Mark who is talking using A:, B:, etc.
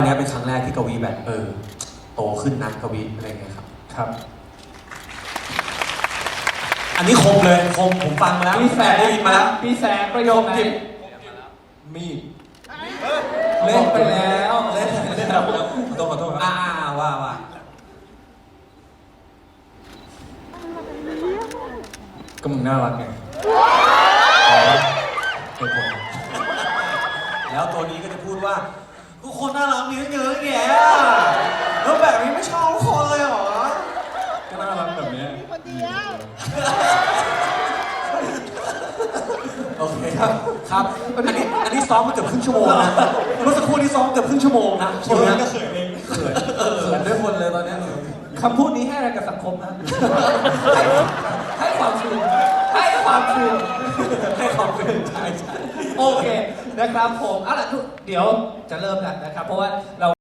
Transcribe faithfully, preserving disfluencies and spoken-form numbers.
A: นี้เป็นครั้งแรกที่กวีแบบเออโตขึ้นนะกวีอะไรเงี้ยครับครับอันนี้คมเลยคมผมฟังมาแล้วพี่แสงได้ยินมาแล้ว
B: พี่แสงประโยคจิบมีดเล่นไปแล้วเล่นเล่นแล้วขอโทษขอโทษ
A: อ่าว่าว่า
B: ก็มึงน่ารักไงเป็นผม
A: แล้วตัวนี้ก็จะพูดว่าทุกคนน่ารักมีเยอะแยะแล้วแบบนี้ไม่ชอบทุกคนเลยเหรอ
B: ก็น่ารักแบบนี้
C: คนเดียว
A: โอเคครับครับอันนี้อันนี้ซ้อมมาเกือบครึ่งชั่วโมงนะเมื่อสักครู่นี้ซ้อมเกือบครึ่งชั่วโมงนะ
B: คนนั้นก็เขินเองเขินเขินด้วยคนเลยตอนนี้คำพูดนี้ให้อะไรกับสังคมนะให้ความชื่นให้ความชื่น
A: ให้ความเป็นใช่ใช่
B: โอเคนะครับผมเอาล่ะเดี๋ยวจะเริ่มกันนะครับเพราะว่าเรา